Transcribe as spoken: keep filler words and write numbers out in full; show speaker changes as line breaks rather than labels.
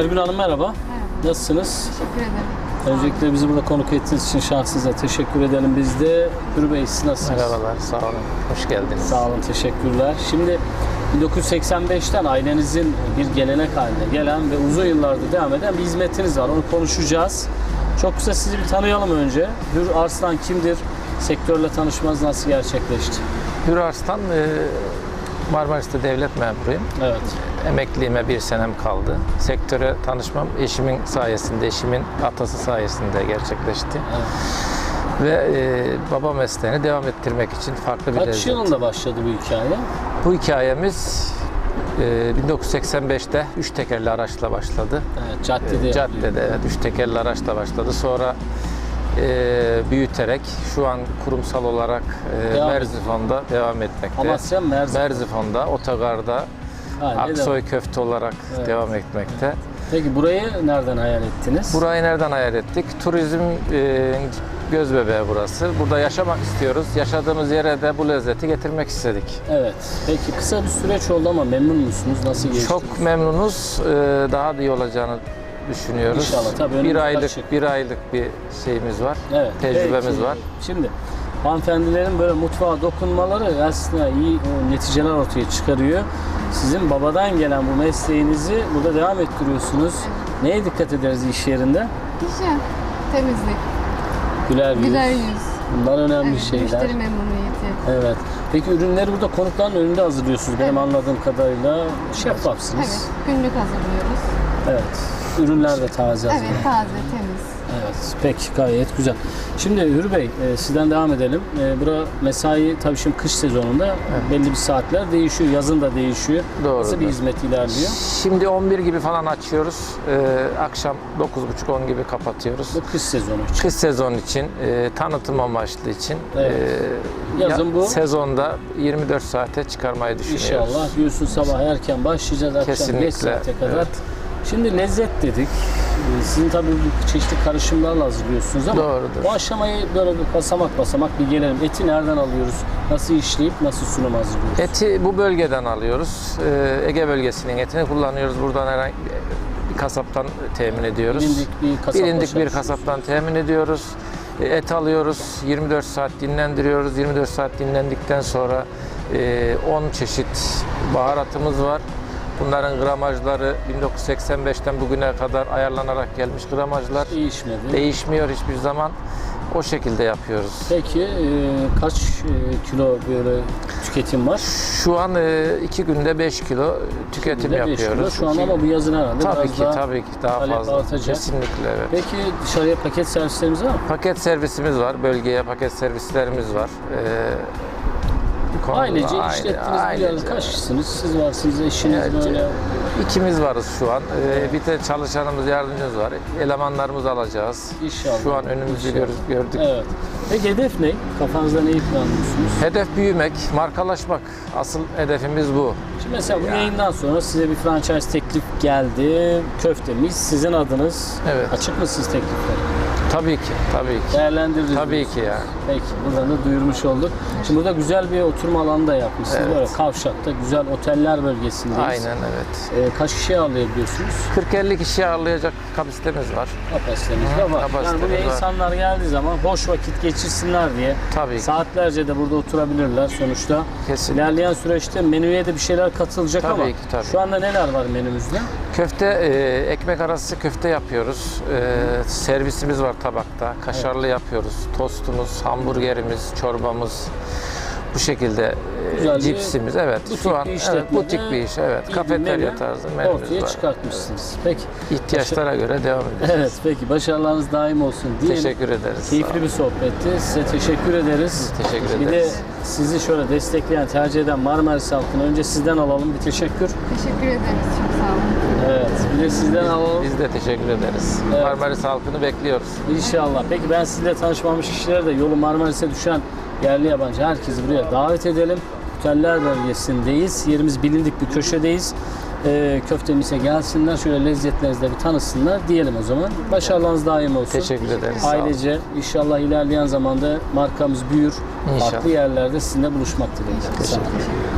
Ergül Hanım merhaba.
Merhaba.
Nasılsınız?
Teşekkür ederim.
Öncelikle bizi burada konuk ettiğiniz için şahsınıza teşekkür edelim biz de. Hür Bey siz nasılsınız?
Merhabalar, sağ olun. Hoş geldiniz.
Sağ olun, teşekkürler. Şimdi bin dokuz yüz seksen beşten ailenizin bir gelenek haline gelen ve uzun yıllardır devam eden bir hizmetiniz var. Onu konuşacağız. Çok kısa sizi bir tanıyalım önce. Hür Arslan kimdir? Sektörle tanışmanız nasıl gerçekleşti?
Hür Arslan, e, Marmaris'te devlet memuruyum.
Evet.
Emekliliğime bir senem kaldı. Sektöre tanışmam eşimin sayesinde, eşimin atası sayesinde gerçekleşti.
Evet.
Ve e, baba mesleğini devam ettirmek için farklı bir
Kaç
lezzet.
yılında başladı bu hikaye?
Bu hikayemiz e, bin dokuz yüz seksen beşte üç tekerli araçla başladı.
Evet, caddede.
E, caddede, evet, üç tekerli araçla başladı. Sonra e, büyüterek şu an kurumsal olarak e,
Devam
Merzifon'da devam etmekte.
Amasya, Merzifon.
Merzifon'da, Otogar'da,
Aynen,
Aksoy
devam.
Köfte olarak
Evet.
devam etmekte.
Peki burayı nereden hayal ettiniz?
Burayı nereden hayal ettik? Turizm e, göz bebeği burası. Burada yaşamak istiyoruz. Yaşadığımız yere de bu lezzeti getirmek istedik.
Evet. Peki kısa bir süreç oldu ama memnun musunuz? Nasıl geçti?
Çok memnunuz. E, daha da iyi olacağını düşünüyoruz.
İnşallah, tabii
bir
önümüz
aylık
açık.
bir aylık bir şeyimiz var.
Evet.
Tecrübemiz
Peki,
var.
Şimdi hanımefendilerin böyle mutfağa dokunmaları aslında iyi o, neticeler ortaya çıkarıyor. Sizin babadan gelen bu mesleğinizi burada devam ettiriyorsunuz. Neye dikkat ederiz iş yerinde?
Hijyen, temizlik,
Güler yüz.
güler yüz,
Bunlar önemli
evet,
şeyler.
müşteri memnuniyeti.
Evet. Peki ürünleri burada konukların önünde hazırlıyorsunuz. Benim
Evet.
anladığım kadarıyla şeffafsınız.
Evet, günlük hazırlıyoruz.
Evet. Ürünler de taze
Evet,
hazırlanıyor.
taze, temiz.
Evet, peki gayet güzel. Şimdi Hür Bey, e, sizden devam edelim. E, bura mesai tabii şimdi kış sezonunda belli bir saatler değişiyor, yazın da değişiyor.
Doğrudur.
Nasıl bir hizmet ilerliyor?
Şimdi on bir gibi falan açıyoruz. E, akşam dokuz buçuk on gibi kapatıyoruz.
Bu kış sezonu için.
Kış sezon için, e, tanıtım amaçlı için
Evet.
e,
Yazın
ya-
bu.
Sezonda yirmi dört saate çıkarmayı düşünüyoruz.
İnşallah diyorsun sabah erken başlayacağız, akşam
Kesinlikle,
beş saate kadar.
evet.
Şimdi lezzet dedik. E, Sizin tabii bu çeşitli karışımlarla hazırlıyorsunuz ama
Doğrudur.
bu aşamayı böyle bir basamak basamak bir gelelim. Eti nereden alıyoruz? Nasıl işleyip nasıl sunum hazırlıyoruz?
Eti bu bölgeden alıyoruz. E, Ege bölgesinin etini kullanıyoruz. Buradan herhangi bir kasaptan temin ediyoruz.
Bilindik bir kasapla
Bilindik bir
çalışıyoruz.
kasaptan temin ediyoruz. E, Et alıyoruz. yirmi dört saat dinlendiriyoruz. yirmi dört saat dinlendikten sonra e, on çeşit baharatımız var. Bunların gramajları bin dokuz yüz seksen beşten bugüne kadar ayarlanarak gelmiş gramajlar.
Değişmedi.
Değişmiyor hiçbir zaman. O şekilde yapıyoruz.
Peki e, kaç e, kilo böyle tüketim var?
Şu an e, iki günde beş kilo tüketim
Günde beş
yapıyoruz.
kilo. Şu an ama bu yazın herhalde
Tabii
biraz
ki,
daha
tabii ki daha
talep
fazla.
artacak.
Kesinlikle, evet.
Peki dışarıya paket servislerimiz var mı?
Paket servisimiz var. Bölgeye paket servislerimiz var. Ee, bu konuda
Ailece
aile-
işlettiğiniz bir
ailece.
yerde kaç kişisiniz? Siz varsınız, eşiniz
Evet,
böyle.
İkimiz varız şu an. Ee, bir de çalışanımız, yardımcımız var. Elemanlarımızı alacağız.
İnşallah.
Şu an önümüzü
İnşallah.
gör- gördük.
Evet. Peki hedef ne? Kafanızda neyi planlıyorsunuz?
Hedef büyümek, markalaşmak. Asıl hedefimiz bu.
Şimdi mesela bu
Yani.
yayından sonra size bir franchise teklif geldi. Köftemiz sizin adınız.
Evet.
Açık mısınız teklifler?
Tabii ki, tabii ki.
Değerlendiririz.
Tabii
diyorsunuz.
ki yani.
Peki buradan da duyurmuş olduk. Şimdi burada güzel bir oturma alanı da yapmışsınız.
Evet.
Böyle Kavşak'ta güzel oteller bölgesindeyiz.
Aynen, evet.
Ee, kaç kişi ağırlayabiliyorsunuz?
kırk elli kişi ağırlayacak kapasitemiz var.
Kapasitemiz de var. Yani
kapasitemiz
buraya
var.
insanlar geldiği zaman boş vakit geçirsinler diye
Tabii ki.
saatlerce de burada oturabilirler sonuçta.
Kesinlikle.
İlerleyen süreçte menüye de bir şeyler katılacak
Tabii
ama
ki, tabii.
şu anda neler var menümüzde?
Köfte, e, ekmek arası köfte yapıyoruz. E, servisimiz var tabakta. Kaşarlı yapıyoruz. Tostumuz, hamburgerimiz, çorbamız. Bu şekilde
Güzel
e,
bir
cipsimiz. Evet.
butik
Şu an
bir
evet,
işletmede
butik bir iş. Evet.
iyi bir
Kafeterya
menü
tarzı menümüz
ortaya
var.
çıkartmışsınız. Peki.
İhtiyaçlara göre devam ediyoruz.
Evet peki başarılarınız daim olsun diyelim.
Teşekkür ederiz. Sağ
Keyifli
olun.
bir sohbetti. Size teşekkür ederiz.
Biz teşekkür
Bir de
ederiz.
sizi şöyle destekleyen, tercih eden Marmaris halkına önce sizden alalım bir teşekkür.
Teşekkür ederiz, çok sağ olun.
Evet. Bir de sizden alalım.
Biz de teşekkür ederiz.
Evet.
Marmaris halkını bekliyoruz.
İnşallah. Peki ben sizinle tanışmamış kişilere de yolu Marmaris'e düşen yerli yabancı herkesi buraya davet edelim. Oteller bölgesindeyiz. Yerimiz bilindik bir köşedeyiz. Ee, köftemize gelsinler. Şöyle lezzetlerinizle bir tanısınlar diyelim o zaman. Başarılarınız daim olsun.
Teşekkür ederiz. Sağ olun.
Ailece inşallah ilerleyen zamanda markamız büyür.
İnşallah.
Farklı yerlerde sizinle buluşmak dileğiyle. Sağ olun.
Teşekkür ederim.